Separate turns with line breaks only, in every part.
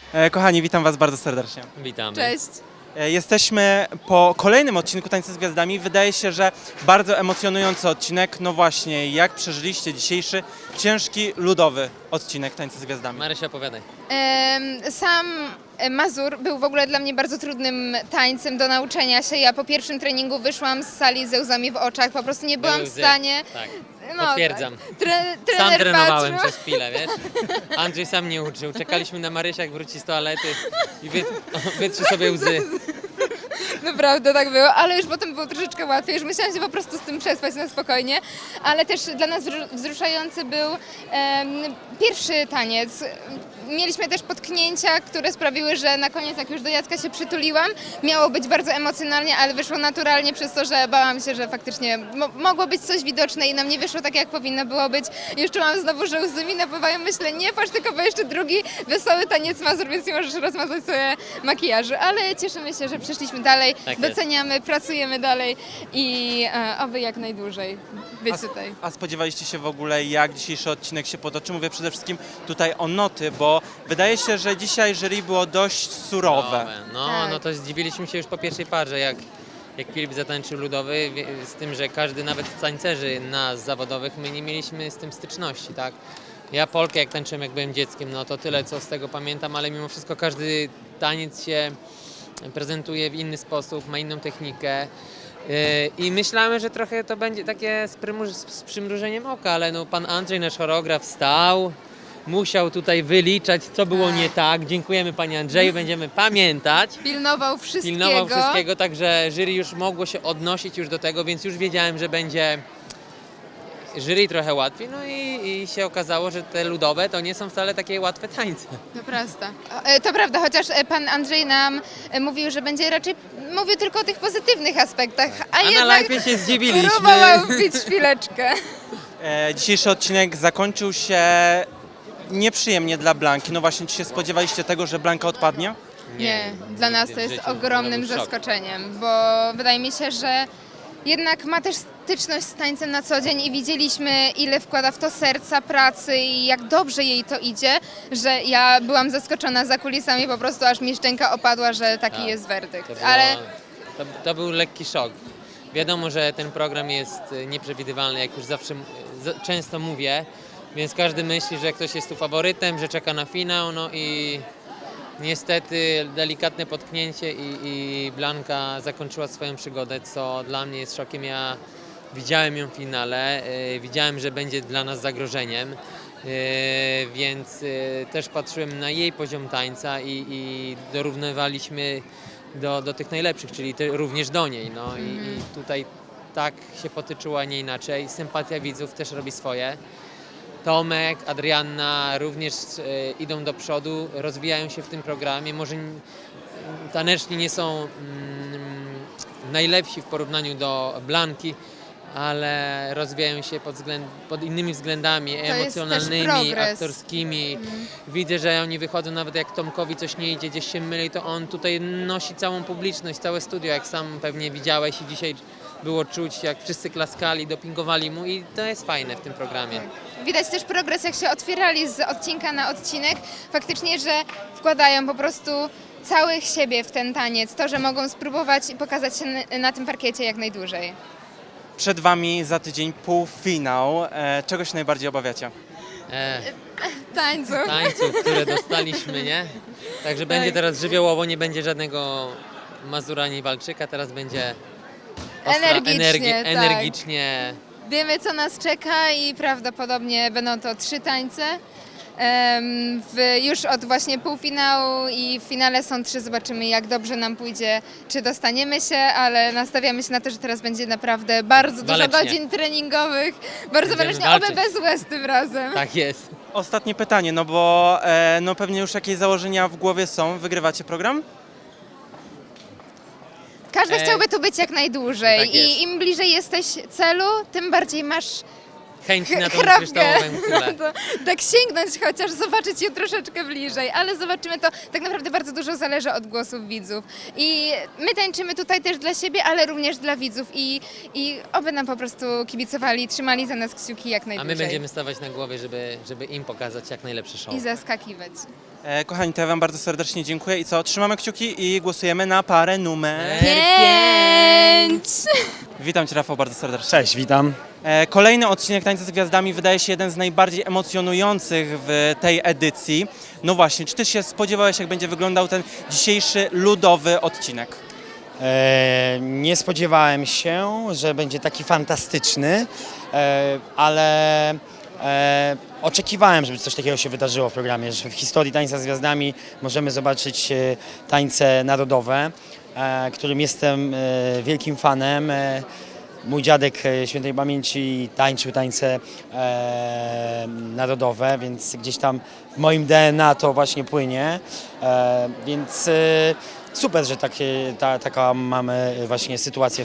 Kochani, witam Was bardzo serdecznie.
Witamy.
Cześć.
Jesteśmy po kolejnym odcinku Tańca z Gwiazdami. Wydaje się, że bardzo emocjonujący odcinek. No właśnie, jak przeżyliście dzisiejszy ciężki, ludowy odcinek Tańca z Gwiazdami?
Marysia, opowiadaj.
Sam Mazur był w ogóle dla mnie bardzo trudnym tańcem do nauczenia się. Ja po pierwszym treningu wyszłam z sali ze łzami w oczach, po prostu nie byłam
Były
w
łzy.
stanie.
Tak,
No,
potwierdzam.
Tak.
Sam
Trener
trenowałem
patrzył.
przez chwilę, wiesz? Andrzej sam nie uczył. Czekaliśmy na Marysia, jak wróci z toalety i wytrzy sobie łzy.
Naprawdę tak było, ale już potem było troszeczkę łatwiej, już musiałam się po prostu z tym przespać na spokojnie, ale też dla nas wzruszający był pierwszy taniec. Mieliśmy też potknięcia, które sprawiły, że na koniec, jak już do Jacka się przytuliłam, miało być bardzo emocjonalnie, ale wyszło naturalnie przez to, że bałam się, że faktycznie mogło być coś widoczne i nam nie wyszło tak, jak powinno było być. Już czułam znowu, że łzy mi napływają, myślę, nie patrz tylko, bo jeszcze drugi wesoły taniec Mazur, więc nie możesz rozmazać sobie makijażu, ale cieszymy się, że przeszliśmy dalej,
Tak jest.
doceniamy, pracujemy dalej i oby jak najdłużej być tutaj.
A spodziewaliście się w ogóle, jak dzisiejszy odcinek się potoczy? Mówię przede wszystkim tutaj o noty, bo wydaje się, że dzisiaj jury było dość surowe.
No,
Tak.
no to zdziwiliśmy się już po pierwszej parze, jak Filip zatańczył ludowy, z tym, że każdy, nawet z tańcerzy nas zawodowych, my nie mieliśmy z tym styczności, tak? Ja polkę jak tańczyłem, jak byłem dzieckiem, no to tyle, co z tego pamiętam, ale mimo wszystko każdy taniec się prezentuje w inny sposób, ma inną technikę. I myślałem, że trochę to będzie takie z przymrużeniem oka, ale no, pan Andrzej, nasz choreograf, stał, musiał tutaj wyliczać, co było nie tak. Dziękujemy panie Andrzeju, będziemy pamiętać.
Pilnował wszystkiego.
Pilnował wszystkiego, także jury już mogło się odnosić już do tego, więc już wiedziałem, że będzie jury trochę łatwiej. No i się okazało, że te ludowe to nie są wcale takie łatwe tańce.
To prawda, chociaż pan Andrzej nam mówił, że będzie raczej mówił tylko o tych pozytywnych aspektach, a
A na
jednak
live się zdziwiliśmy.
próbował wbić szpileczkę.
Dzisiejszy odcinek zakończył się nieprzyjemnie dla Blanki. No właśnie, czy się spodziewaliście tego, że Blanka odpadnie?
Nie, dla nas
nigdy
to
w
jest
życiu.
ogromnym
To był szok.
zaskoczeniem, bo wydaje mi się, że jednak ma też styczność z tańcem na co dzień i widzieliśmy, ile wkłada w to serca, pracy i jak dobrze jej to idzie, że ja byłam zaskoczona za kulisami, po prostu aż mi szczęka opadła, że taki
Tak,
jest werdykt.
To, było,
Ale
to był lekki szok. Wiadomo, że ten program jest nieprzewidywalny, jak już zawsze często mówię, więc każdy myśli, że ktoś jest tu faworytem, że czeka na finał, no i niestety delikatne potknięcie i Blanka zakończyła swoją przygodę, co dla mnie jest szokiem. Ja widziałem ją w finale, widziałem, że będzie dla nas zagrożeniem, więc też patrzyłem na jej poziom tańca i dorównywaliśmy do tych najlepszych, czyli również do niej. No i tutaj tak się potyczyła, nie inaczej. Sympatia widzów też robi swoje. Tomek, Adrianna również idą do przodu, rozwijają się w tym programie. Może taneczni nie są najlepsi w porównaniu do Blanki, ale rozwijają się pod innymi względami
jest też
emocjonalnymi,
progres.
aktorskimi. Widzę, że oni wychodzą, nawet jak Tomkowi coś nie idzie, gdzieś się myli, to on tutaj nosi całą publiczność, całe studio, jak sam pewnie widziałeś i dzisiaj było czuć, jak wszyscy klaskali, dopingowali mu i to jest fajne w tym programie.
widać też progres, jak się otwierali z odcinka na odcinek, faktycznie, że wkładają po prostu całych siebie w ten taniec, to, że mogą spróbować i pokazać się na tym parkiecie jak najdłużej.
Przed Wami za tydzień półfinał. Czego się najbardziej obawiacie?
Tańcu.
Tańców, które dostaliśmy, nie? Także będzie teraz żywiołowo, nie będzie żadnego Mazura ani Walczyka, teraz będzie
Energicznie, tak.
energicznie.
Wiemy, co nas czeka i prawdopodobnie będą to 3 tańce. Już od właśnie półfinału i w finale są 3. Zobaczymy, jak dobrze nam pójdzie, czy dostaniemy się, ale nastawiamy się na to, że teraz będzie naprawdę bardzo dużo
Walecznie.
godzin treningowych. Bardzo
Będziemy
walecznie, oby
walczyć.
bez łez tym razem.
Tak jest.
Ostatnie pytanie, no bo no pewnie już jakieś założenia w głowie są. Wygrywacie program?
Każdy chciałby tu być jak najdłużej
Tak jest.
i im bliżej jesteś celu, tym bardziej masz
Chęć na tą
chrapkę.
kryształową kulę.
To, tak sięgnąć chociaż, zobaczyć ją troszeczkę bliżej, ale zobaczymy to, tak naprawdę bardzo dużo zależy od głosów widzów. I my tańczymy tutaj też dla siebie, ale również dla widzów i oby nam po prostu kibicowali, trzymali za nas kciuki jak
A
najdłużej.
my będziemy stawać na głowie, żeby im pokazać jak najlepszy show.
I zaskakiwać.
Kochani, to ja Wam bardzo serdecznie dziękuję i co, trzymamy kciuki i głosujemy na parę numer.
5!
Witam Cię, Rafał, bardzo serdecznie.
Cześć, witam.
Kolejny odcinek Tańca z Gwiazdami wydaje się jeden z najbardziej emocjonujących w tej edycji. No właśnie, czy Ty się spodziewałeś, jak będzie wyglądał ten dzisiejszy ludowy odcinek?
Nie spodziewałem się, że będzie taki fantastyczny, ale oczekiwałem, żeby coś takiego się wydarzyło w programie, że w historii Tańca z Gwiazdami możemy zobaczyć tańce narodowe, którym jestem wielkim fanem. Mój dziadek świętej pamięci tańczył tańce narodowe, więc gdzieś tam w moim DNA to właśnie płynie, więc super, że taka mamy właśnie sytuację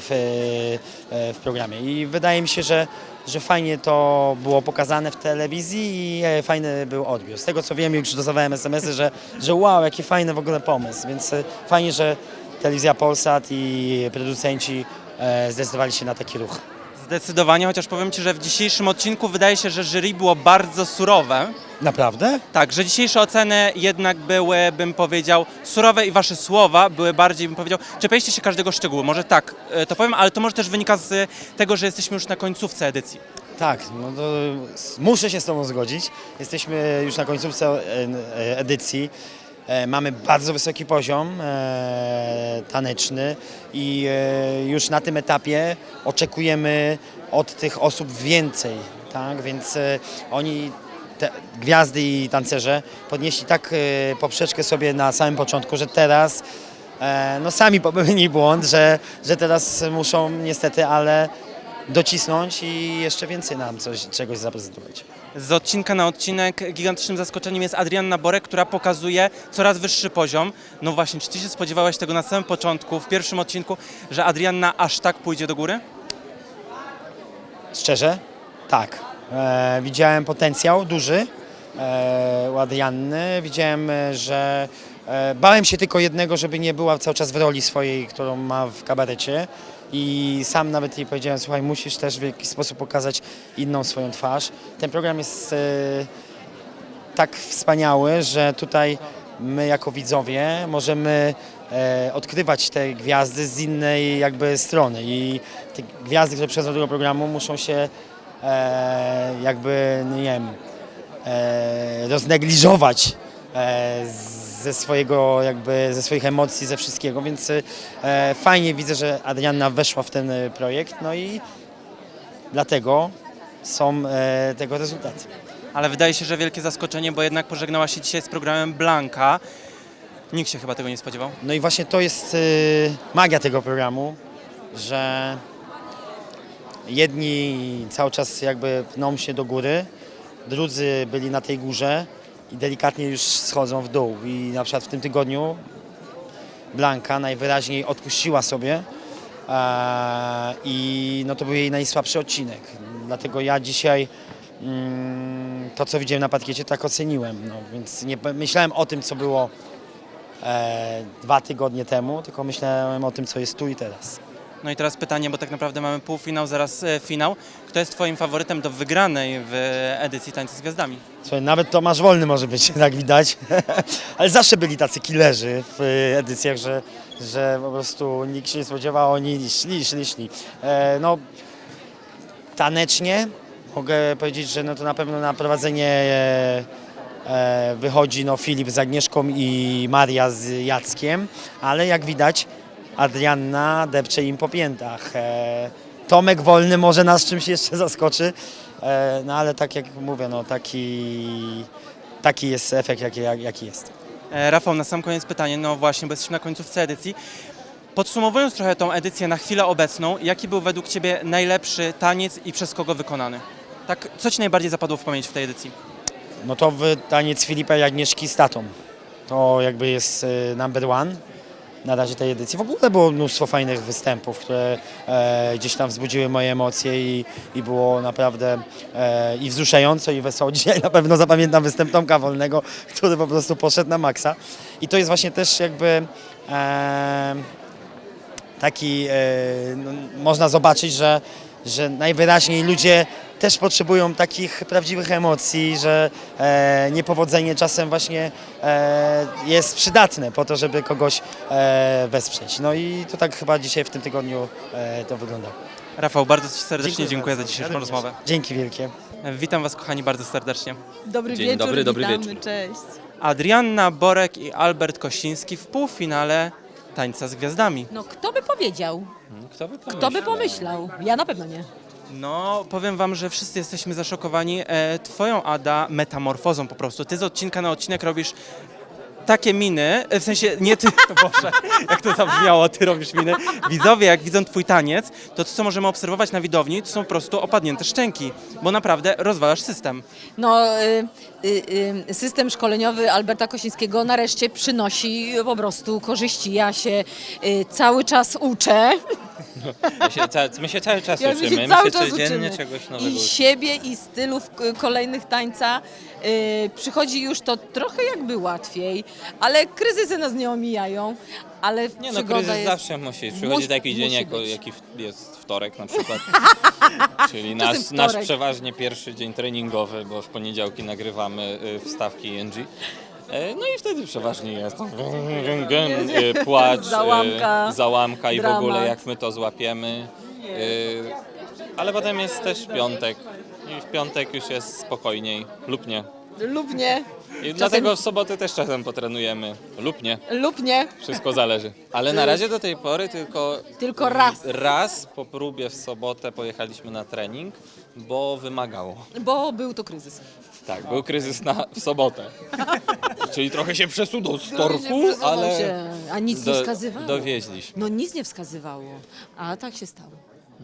w programie i wydaje mi się, że fajnie to było pokazane w telewizji i fajny był odbiór. Z tego co wiem, już dostawałem SMS-y, że wow, jaki fajny w ogóle pomysł, więc fajnie, że Telewizja Polsat i producenci zdecydowali się na taki ruch.
Zdecydowanie, chociaż powiem Ci, że w dzisiejszym odcinku wydaje się, że jury było bardzo surowe.
Naprawdę?
Tak, że dzisiejsze oceny jednak były, bym powiedział, surowe i Wasze słowa były bardziej, bym powiedział, czepialiście się każdego szczegółu. Może tak, to powiem, ale to może też wynika z tego, że jesteśmy już na końcówce edycji.
Tak, no to muszę się z Tobą zgodzić. Jesteśmy już na końcówce edycji. Mamy bardzo wysoki poziom taneczny i już na tym etapie oczekujemy od tych osób więcej, tak? Więc oni, te gwiazdy i tancerze podnieśli tak poprzeczkę sobie na samym początku, że teraz no sami popełnili błąd, że teraz muszą niestety, ale docisnąć i jeszcze więcej nam czegoś zaprezentować.
Z odcinka na odcinek gigantycznym zaskoczeniem jest Adrianna Borek, która pokazuje coraz wyższy poziom. No właśnie, czy Ty się spodziewałeś tego na samym początku, w pierwszym odcinku, że Adrianna aż tak pójdzie do góry?
Szczerze? Tak. Widziałem potencjał duży u Adrianny. Widziałem, że bałem się tylko jednego, żeby nie była cały czas w roli swojej, którą ma w kabarecie. I sam nawet jej powiedziałem, słuchaj, musisz też w jakiś sposób pokazać inną swoją twarz. Ten program jest tak wspaniały, że tutaj my jako widzowie możemy odkrywać te gwiazdy z innej jakby strony i te gwiazdy, które przychodzą do tego programu, muszą się jakby, nie wiem, roznegliżować ze swoich emocji, ze wszystkiego, więc fajnie widzę, że Adrianna weszła w ten projekt, no i dlatego są tego rezultaty.
Ale wydaje się, że wielkie zaskoczenie, bo jednak pożegnała się dzisiaj z programem Blanka. Nikt się chyba tego nie spodziewał.
No i właśnie to jest magia tego programu, że jedni cały czas jakby pną się do góry, drudzy byli na tej górze i delikatnie już schodzą w dół. I na przykład w tym tygodniu Blanka najwyraźniej odpuściła sobie i no to był jej najsłabszy odcinek. Dlatego ja dzisiaj to, co widziałem na parkiecie, tak oceniłem. No, więc nie myślałem o tym, co było 2 tygodnie temu, tylko myślałem o tym, co jest tu i teraz.
No i teraz pytanie, bo tak naprawdę mamy półfinał, zaraz finał. Kto jest Twoim faworytem do wygranej w edycji Tańca z Gwiazdami?
Słuchaj, nawet Tomasz Wolny może być, tak widać, ale zawsze byli tacy killerzy w edycjach, że po prostu nikt się nie spodziewał, oni szli. No, tanecznie mogę powiedzieć, że no to na pewno na prowadzenie wychodzi no Filip z Agnieszką i Maria z Jackiem, ale jak widać Adrianna depcze im po piętach. Tomek Wolny może nas czymś jeszcze zaskoczy, no ale tak jak mówię, no taki jest efekt, jaki jest.
Rafał, na sam koniec pytanie, no właśnie, bo jesteśmy na końcówce edycji. Podsumowując trochę tą edycję na chwilę obecną, jaki był według Ciebie najlepszy taniec i przez kogo wykonany? Tak, co Ci najbardziej zapadło w pamięć w tej edycji?
No to taniec Filipa i Agnieszki z tatą. To jakby jest number one na razie tej edycji. W ogóle było mnóstwo fajnych występów, które gdzieś tam wzbudziły moje emocje i było naprawdę i wzruszająco, i wesoło. Dzisiaj na pewno zapamiętam występ Tomka Wolnego, który po prostu poszedł na maksa. I to jest właśnie też jakby taki, no, można zobaczyć, że najwyraźniej ludzie też potrzebują takich prawdziwych emocji, że niepowodzenie czasem właśnie jest przydatne po to, żeby kogoś wesprzeć. No i to tak chyba dzisiaj w tym tygodniu to wygląda.
Rafał, bardzo Ci serdecznie dziękuję za
bardzo.
dzisiejszą rozmowę.
Dzięki wielkie.
Witam Was, kochani, bardzo serdecznie.
Dobry
Dzień
wieczór,
dobry, dobry
witamy,
wieczór.
cześć.
Adrianna Borek i Albert Kosiński w półfinale Tańca z Gwiazdami.
No kto by powiedział?
Kto by
Pomyślał? Ja na pewno nie.
No, powiem Wam, że wszyscy jesteśmy zaszokowani Twoją, Ada, metamorfozą po prostu. Ty z odcinka na odcinek robisz takie miny, w sensie nie ty, Boże, jak to zabrzmiało, ty robisz miny. Widzowie, jak widzą Twój taniec, to co możemy obserwować na widowni, to są po prostu opadnięte szczęki, bo naprawdę rozwalasz system.
No, system szkoleniowy Alberta Kosińskiego nareszcie przynosi po prostu korzyści. Ja się cały czas uczę.
My się cały czas
Ja my
uczymy,
się cały czas
codziennie
uczymy.
czegoś nowego
I siebie, i stylów kolejnych tańca. Przychodzi już to trochę jakby łatwiej, ale kryzysy nas nie omijają. Ale
Nie no,
przygoda
kryzys
jest...
zawsze musi przychodzi taki dzień,
musi być.
jaki jest wtorek na przykład. Czyli
Czasem
nasz
wtorek.
przeważnie pierwszy dzień treningowy, bo w poniedziałki nagrywamy wstawki ENG. No i wtedy przeważnie jest płacz, załamka i w
dramat.
ogóle jak my to złapiemy. Ale potem jest też piątek i w piątek już jest spokojniej lub nie.
Lub nie.
I dlatego w sobotę też czasem potrenujemy lub nie.
Lub nie.
Wszystko zależy. Ale na razie do tej pory
Tylko raz.
Raz po próbie w sobotę pojechaliśmy na trening, bo wymagało.
Bo był to kryzys.
Tak, był kryzys w sobotę. Czyli trochę się przesunął z torku,
Przesunął
ale
się, a nic nie wskazywało.
dowieźliśmy.
No nic nie wskazywało, a tak się stało.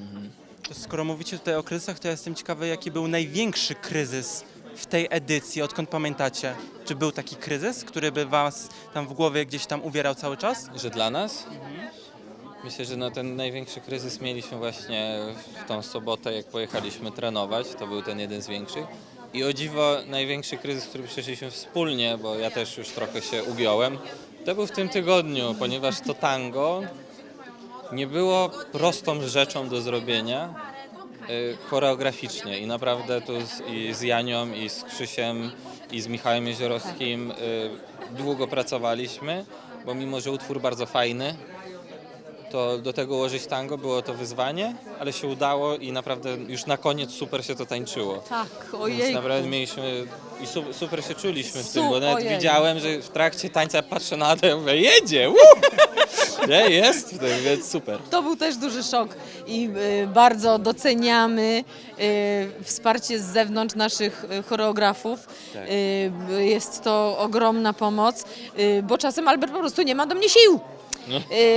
To skoro mówicie tutaj o kryzysach, to ja jestem ciekawy, jaki był największy kryzys w tej edycji, odkąd pamiętacie? Czy był taki kryzys, który by Was tam w głowie gdzieś tam uwierał cały czas?
Że dla nas? Myślę, że no ten największy kryzys mieliśmy właśnie w tą sobotę, jak pojechaliśmy trenować. To był ten jeden z większych. I o dziwo największy kryzys, który przeszliśmy wspólnie, bo ja też już trochę się ugiąłem, to był w tym tygodniu, ponieważ to tango nie było prostą rzeczą do zrobienia choreograficznie. I naprawdę tu i z Janią, i z Krzysiem, i z Michałem Jeziorowskim długo pracowaliśmy, bo mimo, że utwór bardzo fajny, to do tego ułożyć tango było to wyzwanie, ale się udało i naprawdę już na koniec super się to tańczyło.
Tak,
Więc
ojej.
naprawdę mieliśmy i super się czuliśmy w tym, bo nawet
ojej.
widziałem, że w trakcie tańca patrzę na to i mówię, jedzie, nie, jest w tym, więc super.
To był też duży szok i bardzo doceniamy wsparcie z zewnątrz naszych choreografów.
Tak.
Jest to ogromna pomoc, bo czasem Albert po prostu nie ma do mnie sił.
No.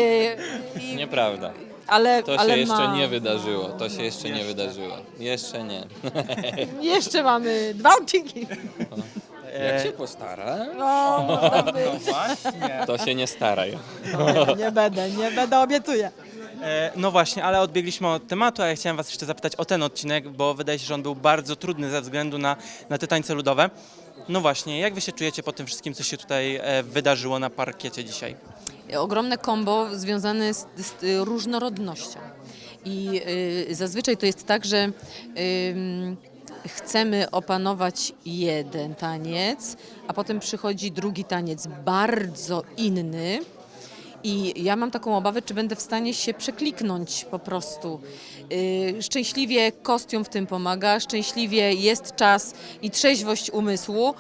Nieprawda.
Ale,
To
ale
się jeszcze
ma...
nie wydarzyło. To się jeszcze nie wydarzyło. Jeszcze nie.
Jeszcze mamy 2 odcinki.
Jak się postara,
No, można by.
Właśnie.
to się nie staraj.
Nie będę, obiecuję.
No właśnie, ale odbiegliśmy od tematu, a ja chciałem Was jeszcze zapytać o ten odcinek, bo wydaje się, że on był bardzo trudny ze względu na te tańce ludowe. No właśnie, jak Wy się czujecie po tym wszystkim, co się tutaj wydarzyło na parkiecie dzisiaj?
Ogromne kombo związane z różnorodnością. I zazwyczaj to jest tak, że chcemy opanować jeden taniec, a potem przychodzi drugi taniec bardzo inny. I ja mam taką obawę, czy będę w stanie się przekliknąć po prostu. Szczęśliwie kostium w tym pomaga, szczęśliwie jest czas i trzeźwość umysłu.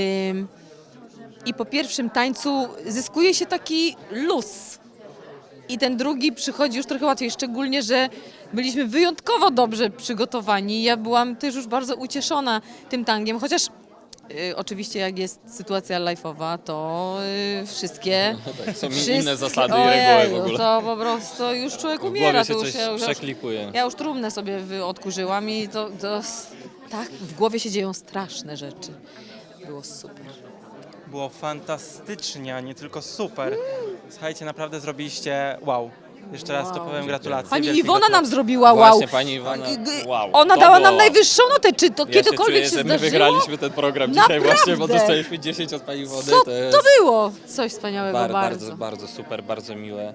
I po pierwszym tańcu zyskuje się taki luz. I ten drugi przychodzi już trochę łatwiej, szczególnie, że byliśmy wyjątkowo dobrze przygotowani. Ja byłam też już bardzo ucieszona tym tangiem, chociaż oczywiście jak jest sytuacja live'owa, to wszystkie...
Są
wszystkie-
inne zasady i reguły w
Ojeju,
ogóle.
to po prostu już człowiek
W
umiera.
głowie się
To już,
coś przeklikuje.
ja już trumnę sobie odkurzyłam i tak w głowie się dzieją straszne rzeczy. Było super.
Było fantastycznie, a nie tylko super. Słuchajcie, naprawdę zrobiliście wow. Jeszcze raz to powiem, gratulacje.
Pani
wielkie
Iwona nam
gratulacje.
zrobiła wow.
Właśnie, pani Iwona, wow.
Ona
to
dała
było.
nam najwyższą notę. Czy to
Ja
kiedykolwiek
się
się
czuję, że my
zdarzyło?
wygraliśmy ten program dzisiaj
Naprawdę.
właśnie, bo dostaliśmy 10 od pani Iwony.
Co
to jest
to było? Coś wspaniałego bardzo.
bardzo super, bardzo miłe.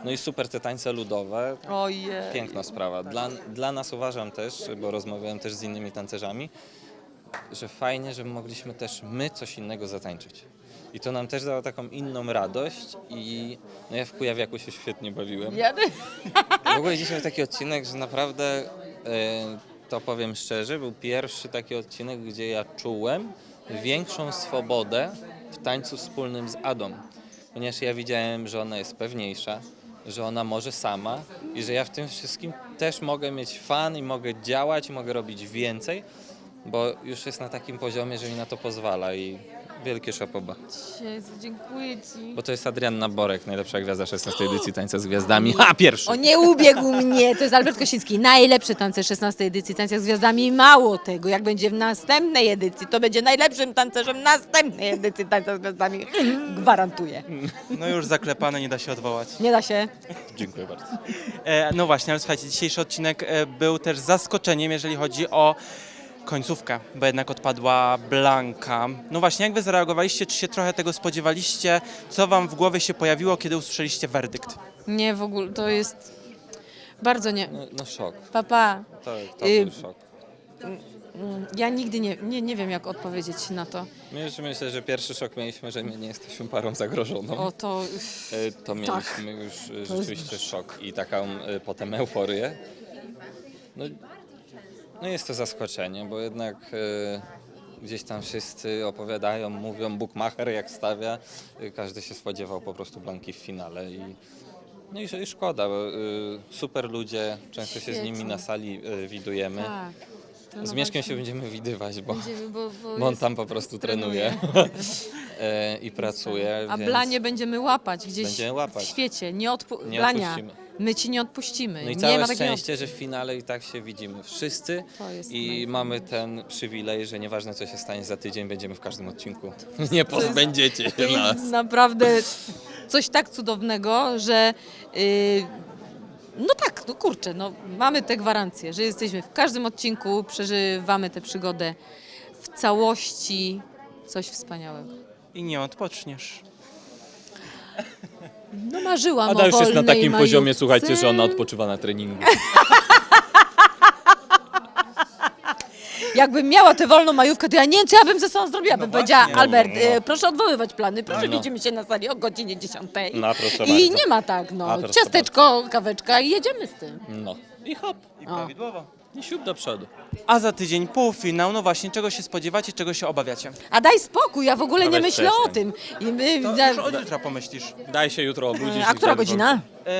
No i super te tańce ludowe,
Ojej.
piękna sprawa. Dla nas uważam też, bo rozmawiałem też z innymi tancerzami, że fajnie, że mogliśmy też my coś innego zatańczyć. I to nam też dało taką inną radość i no ja w Kujawiaku się świetnie bawiłem. W ogóle dzisiaj był taki odcinek, że naprawdę, to powiem szczerze, był pierwszy taki odcinek, gdzie ja czułem większą swobodę w tańcu wspólnym z Adą. Ponieważ ja widziałem, że ona jest pewniejsza, że ona może sama i że ja w tym wszystkim też mogę mieć fan i mogę działać i mogę robić więcej, bo już jest na takim poziomie, że mi na to pozwala i wielkie szapoba.
Jezu, dziękuję Ci.
Bo to jest Adrianna Borek, najlepsza gwiazda 16 edycji Tańca z Gwiazdami. Ha, pierwszy!
O, nie ubiegł mnie, to jest Albert Kosiński, najlepszy tancerz 16 edycji Tańca z Gwiazdami. Mało tego, jak będzie w następnej edycji, to będzie najlepszym tancerzem następnej edycji Tańca z Gwiazdami. Gwarantuję.
No już zaklepane, nie da się odwołać.
Nie da się.
Dziękuję bardzo.
No właśnie, ale słuchajcie, dzisiejszy odcinek był też zaskoczeniem, jeżeli chodzi o końcówkę, bo jednak odpadła Blanka. No właśnie, jak wy zareagowaliście? Czy się trochę tego spodziewaliście? Co wam w głowie się pojawiło, kiedy usłyszeliście werdykt?
Nie, w ogóle, to jest bardzo nie.
No szok.
Papa,
To był szok.
ja nigdy nie wiem, jak odpowiedzieć na to.
My już myślę, że pierwszy szok mieliśmy, że my nie jesteśmy parą zagrożoną.
O, to...
To mieliśmy już rzeczywiście szok i taką potem euforię. No jest to zaskoczenie, bo jednak gdzieś tam wszyscy opowiadają, mówią Bukmacher jak stawia. Każdy się spodziewał po prostu Blanki w finale no i szkoda, bo super ludzie, często się z nimi na sali widujemy.
Tak.
Z Mieszkiem się będziemy widywać, bo on
jest-
tam po prostu trenuje i pracuje.
A
więc
Blanie będziemy łapać gdzieś
Będziemy łapać.
w świecie. Nie
Nie
Blania,
odpuścimy.
my ci nie odpuścimy.
No i
nie
całe
ma takiej
szczęście, że w finale i tak się widzimy wszyscy
To jest
i
najfajniejsze.
mamy ten przywilej, że nieważne co się stanie za tydzień, będziemy w każdym odcinku. Nie pozbędziecie
To
się nas.
jest naprawdę coś tak cudownego, że no tak, no kurczę, no mamy tę gwarancję, że jesteśmy w każdym odcinku, przeżywamy tę przygodę w całości. Coś wspaniałego.
I nie odpoczniesz.
No marzyłam
Ada
o
już jest na
wolnej
takim poziomie,
majówce.
słuchajcie, że ona odpoczywa na treningu.
Jakbym miała tę wolną majówkę, to ja nie wiem, co ja bym ze sobą zrobiła. Bym powiedziała,
właśnie.
Albert,
No.
proszę odwoływać plany, proszę
No.
widzimy się na sali o godzinie 10.
No, proszę
I
bardzo.
nie ma tak, no,
A, proszę
ciasteczko, kaweczka i jedziemy z tym.
No i hop,
I prawidłowo.
i siup do przodu.
A za tydzień półfinał, no właśnie, czego się spodziewacie, czego się obawiacie?
A daj spokój, ja w ogóle nie
weź
myślę o
przestań.
tym. I my,
To już od jutra pomyślisz.
Daj się jutro obudzić.
a która godzina?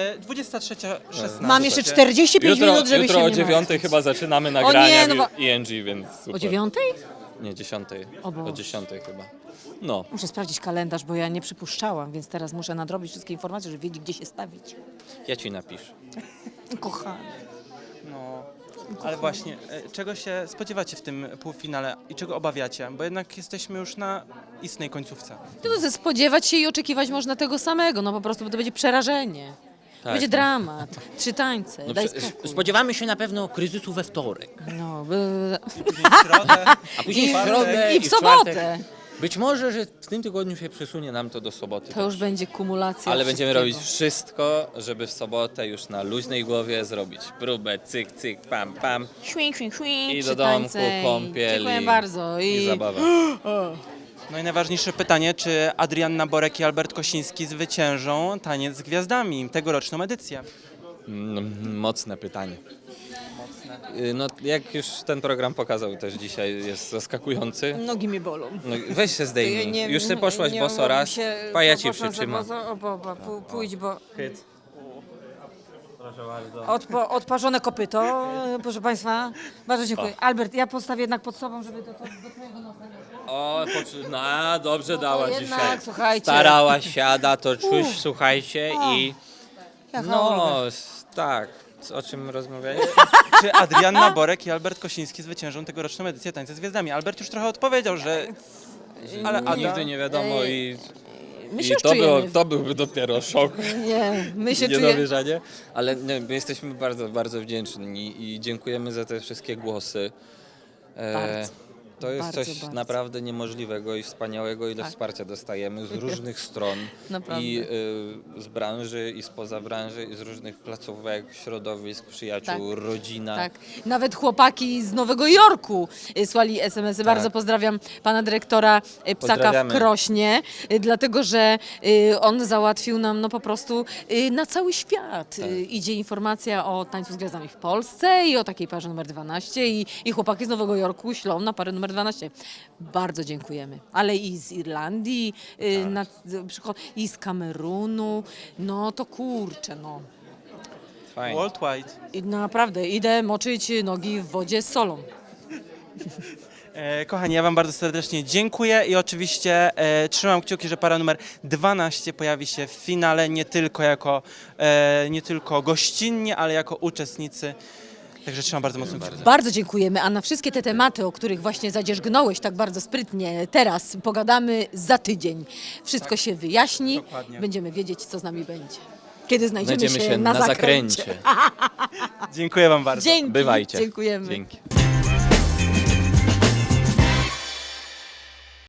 23:16.
Mam jeszcze 45 minut, żeby
jutro
się
o
nie
9
martwić.
chyba zaczynamy nagrania
no
w ING, więc super.
O 9?
Nie, 10.
O Boże.
O 10 chyba. No,
Muszę sprawdzić kalendarz, bo ja nie przypuszczałam, więc teraz muszę nadrobić wszystkie informacje, żeby wiedzieć, gdzie się stawić.
ja ci napiszę.
Kochany.
No, ale właśnie, czego się spodziewacie w tym półfinale i czego obawiacie? Bo jednak jesteśmy już na istnej końcówce.
No, spodziewać się i oczekiwać można tego samego, no po prostu, bo to będzie przerażenie.
Tak.
Będzie dramat, 3 tańce, daj spokój.
Spodziewamy się na pewno kryzysu we wtorek,
No,
Później w środę.
a później w
czwartek.
środę
i w
czwartek.
sobotę.
Być może, że w tym tygodniu się przesunie nam to do soboty.
To już będzie kumulacja
Ale będziemy
wszystkiego.
robić wszystko, żeby w sobotę już na luźnej głowie zrobić próbę, cyk, cyk, pam, pam
Świng, świng, świng,
i do
trzy
domku,
tańce.
kąpiel
Dziękuję
i,
bardzo.
i zabawa.
No i najważniejsze pytanie, czy Adrianna Borek i Albert Kosiński zwyciężą Taniec z Gwiazdami, tegoroczną edycję?
Mocne pytanie. No, jak już ten program pokazał też dzisiaj, jest zaskakujący.
Nogi mi bolą.
No, weź się zdejmij. Już ty poszłaś boso raz, pa ja cię przytrzymam.
Pójdź, bo
Hyt. Proszę bardzo.
odparzone kopyto, proszę Państwa. Bardzo dziękuję. Albert, ja postawię jednak pod sobą, żeby do twojego nosa.
O, no, dobrze dała
jednak,
dzisiaj.
słuchajcie.
Starałaś się, Ada, to czuć, słuchajcie i...
Jaka
No,
ulga.
tak. O czym rozmawialiśmy?
Czy Adrianna Borek i Albert Kosiński zwyciężą tegoroczną edycję Tańca z Gwiazdami? Albert już trochę odpowiedział, że... Ale Ada...
Nigdy nie wiadomo
My
i
się już
to,
czujemy.
to byłby dopiero szok.
Nie, my się
Nie
czujemy.
dowierzanie, ale nie, my jesteśmy bardzo, bardzo wdzięczni i dziękujemy za te wszystkie głosy.
Bardzo.
To jest
Bardzo,
coś
bardzo.
naprawdę niemożliwego i wspaniałego, ile
Tak.
wsparcia dostajemy z różnych stron.
Naprawdę.
I z branży, i spoza branży, i z różnych placówek, środowisk, przyjaciół, rodzina.
Tak. Nawet chłopaki z Nowego Jorku słali SMS-y. Bardzo pozdrawiam pana dyrektora Psaka w
Pozdrawiamy.
Krośnie, dlatego że on załatwił nam no po prostu na cały świat. Idzie informacja o Tańcu z Gwiazdami w Polsce i o takiej parze numer 12 i chłopaki z Nowego Jorku ślą na parę numer 12. Bardzo dziękujemy. Ale i z Irlandii, i z Kamerunu, no to kurczę, no.
Fajnie.
Worldwide.
I naprawdę, idę moczyć nogi w wodzie z solą.
Kochani, ja wam bardzo serdecznie dziękuję i oczywiście trzymam kciuki, że para numer 12 pojawi się w finale nie tylko gościnnie, ale jako uczestnicy. Także trzymam bardzo mocno kciuki.
Bardzo dziękujemy, a na wszystkie te tematy, o których właśnie zadzierzgnąłeś tak bardzo sprytnie teraz, pogadamy za tydzień. Wszystko się wyjaśni,
Dokładnie.
będziemy wiedzieć, co z nami będzie. Kiedy znajdziemy
Znajdziemy
się na zakręcie.
zakręcie.
Dziękuję wam bardzo.
Dzięki,
Bywajcie.
dziękujemy.
Dzięki.